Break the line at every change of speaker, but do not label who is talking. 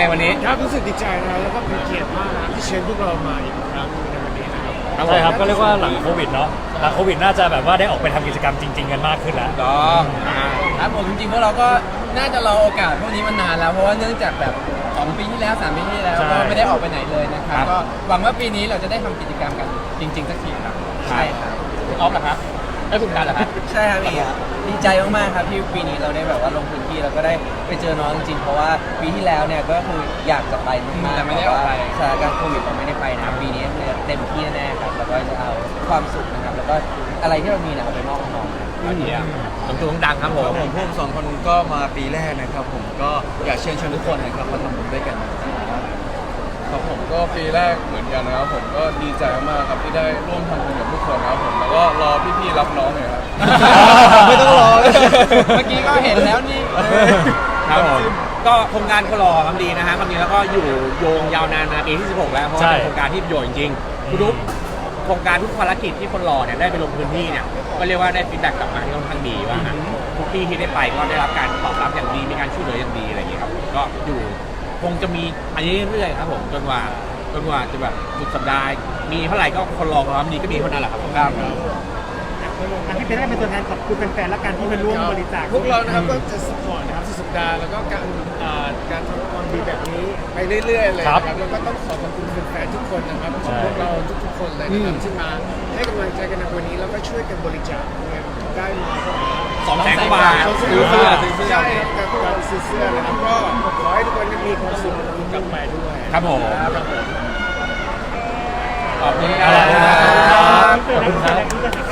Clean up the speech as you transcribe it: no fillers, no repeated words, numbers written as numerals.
ไงวันนี้
ครับรู้สึกดีใจนะแล้วก็เป็นเกียรติมากนะที่เชิญพวกเรามาอีกครั้งในวันนี้นะครับ
ใช่ครับก็เรียกว่าหลังโควิดเนาะหลังโควิดน่าจะแบบว่าได้ออกไปทำกิจกรรมจริงๆกันมากขึ้นแล้ว
ต้อง
ครับผมจริงๆพวกเราก็น่าจะรอโอกาสพวกนี้มานานแล้วเพราะว่าเนื่องจากแบบ2 ปีที่แล้ว3 ปีที่แล้วก็ไม่ได้ออกไปไหนเลยนะครับก็หวังว่าปีนี้เราจะได้ทำกิจกรรมกันจริงๆสักทีครับใช่ครับ
คุณออฟเหรอครับได้คุณการเหรอครับ
ใช่ครับดีใจมากๆครับที่ปีนี้เราได้แบบว่าลงพื้นที่แล้วก็ได้ไปเจอน้องจริงๆเพราะว่าปีที่แล้วเนี่ยก็คืออยากจะไปมากๆแต่ไม่ได้ออกไปสถานการณ์โควิดเราไม่ได้ไปนะครับปีนี้เต็มที่แน่ๆครับแล้วก็จะเอาความสุขนะครับแล้วก็อะไรที่เรามีเนี่ยเอาไปมอบให้น้อง
อันนี้ต้องตัวดังครับผม
พวก2 คนก็มาปีแรกนะครับผมก็อยากเชิญชวนทุกคนนะครับมาทำบุญด้วยกัน
ครับผมก็ปีแรกเหมือนกันนะครับผมก็ดีใจมากครับที่ได้ร่วมทำบุญกับทุกคนนะครับผมแล้วก็รอพี่ๆรับน้องหน่อยครับ
ไม่ต้องรอ
เมื่อกี้ก็เห็นแล้วนี่
ครับผมก็โครงการคนรอทำดีนะฮะทำดีแล้วก็อยู่โยงยาวนานมาปีที่16แล้วเพราะว่าเป็นโครงการที่ประโยชน์จริงๆทุกโครงการทุกภารกิจที่คนรอเนี่ยได้ไปลงพื้นที่เนี่ยก็เรียกว่าได้ฟีดแบ็กกลับมาที่ค่อนข้างดีว่าทุกที่ที่ได้ไปก็ได้รับการตอบรับอย่างดีมีการช่วยเหลืออย่างดีอะไรอย่างเงี้ยครับก็อยู่คงจะมีอันนี้เรื่อยๆครับผมจนกว่าจะแบบสุดสัปดาห์มีเท่าไหร่ก็คนรอความดีก็มีเท่านั้นแหละครับครับ
ที่เป็นได้เป็นตัวแทนขอบคุณแฟนๆและการที่มาร่วมบริจาค
พวกเรานะครับก็จะสปอร์ตนะครับสุดสัปดาห์แล้วก็การทำความดีแบบนี้ไปเรื่อยๆเลยนะครับแล้วก็ต้องขอบคุณแฟนๆทุกคนนะครับของพวกเราทุกๆคนเลยนะครับที่มาให้กำลังใจกันในวันนี้แล้วก็ช่วยกันบริจาคได้มา
200,000 กว่าบาท
ซื้อเสื้อใช่ครับการซื้อเสื้อนะครับก็ขอให้ทุกคนมีความสุขกลับไปด้วย
ครับผมขอบคุณครั
ขอบคุณครับ